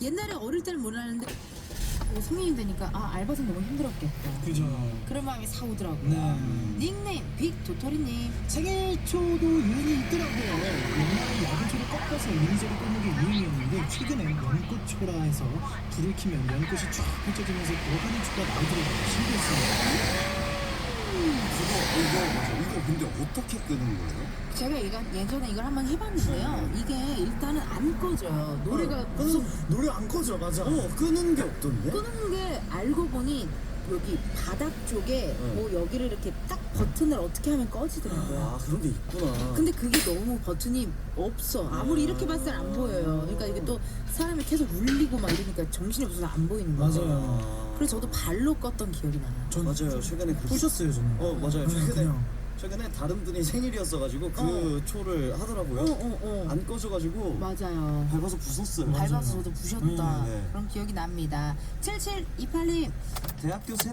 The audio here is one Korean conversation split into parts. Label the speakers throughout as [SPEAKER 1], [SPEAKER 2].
[SPEAKER 1] 옛날에 어릴 때는 몰랐는데 성인이 되니까 알바생 너무 힘들었겠다.
[SPEAKER 2] 그죠.
[SPEAKER 1] 그런 마음이 사오더라고요.
[SPEAKER 2] 네.
[SPEAKER 1] 닉네임 빅도토리님.
[SPEAKER 2] 생일초도 유행이 있더라고요. 옛날에 야구초를 꺾어서 이리저리 꽂는 게 유행이었는데 최근엔 연꽃초라 해서 불을 켜면 연꽃이 쫙 펼쳐지면서 어린이 초가 나오더라고요. 신기했어요.
[SPEAKER 3] 이거 근데 어떻게 끄는 거예요?
[SPEAKER 1] 제가 예전에 이걸 한번 해봤는데요. 이게 일단은 안 꺼져요. 노래가 무슨
[SPEAKER 2] 노래 안 꺼져, 맞아.
[SPEAKER 3] 끄는 게 없던데?
[SPEAKER 1] 끄는 게 알고 보니 여기 바닥 쪽에 뭐 여기를 이렇게 딱 버튼을 어떻게 하면 꺼지더라고요.
[SPEAKER 3] 아, 그런 게 있구나.
[SPEAKER 1] 근데 그게 너무 버튼이 없어. 아무리 이렇게 봤을 땐 안 보여요. 그러니까 이게 또 사람이 계속 울리고 막 이러니까 정신이 없어서 안 보이는 거죠.
[SPEAKER 2] 맞아요.
[SPEAKER 1] 그래서 저도 발로 껐던 기억이 나요.
[SPEAKER 3] 맞아요. 최근에
[SPEAKER 2] 부셨어요, 저는.
[SPEAKER 3] 맞아요.
[SPEAKER 2] 그냥.
[SPEAKER 3] 최근에 다른 분이 생일이었어가지고 그 초를 하더라고요. 안 꺼져가지고
[SPEAKER 1] 맞아요.
[SPEAKER 3] 밟아서 부쉈어요.
[SPEAKER 1] 밟아서 저도 부셨다.
[SPEAKER 3] 네.
[SPEAKER 1] 그런 기억이 납니다. 7728님.
[SPEAKER 3] 대학교 셋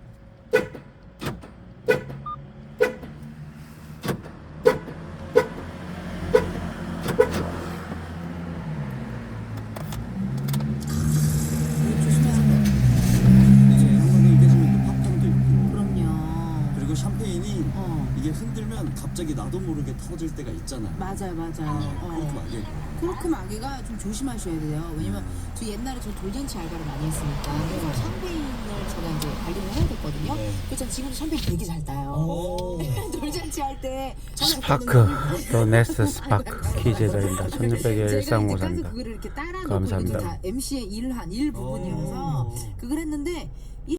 [SPEAKER 3] 이제 한번에 깨지면 또 팝콘도 있고
[SPEAKER 1] 그럼요.
[SPEAKER 3] 그리고 샴페인이
[SPEAKER 1] 어.
[SPEAKER 3] 이게 흔들면 갑자기 나도 모르게 터질 때가 있잖아요.
[SPEAKER 1] 맞아요.
[SPEAKER 3] 그렇게 안 돼.
[SPEAKER 1] 코르크 마개가 좀 조심하셔야 돼요. 왜냐면 저 옛날에 저 돌잔치 알바를 많이 했으니까 그래서 샴페인을 제가 이제 관리를 해야 됐거든요.
[SPEAKER 3] 네.
[SPEAKER 1] 그래서 지금도 샴페인 되게 잘 따요. 돌잔치 할 때
[SPEAKER 4] 스파크 로네스 스파크 기재자입니다. 1600의
[SPEAKER 1] 제가 이제 가서
[SPEAKER 4] 1354입니다.
[SPEAKER 1] 그거를 이렇게 따라놓고
[SPEAKER 4] 감사합니다.
[SPEAKER 1] 이게 다 MC의 일 부분이어서 그걸 했는데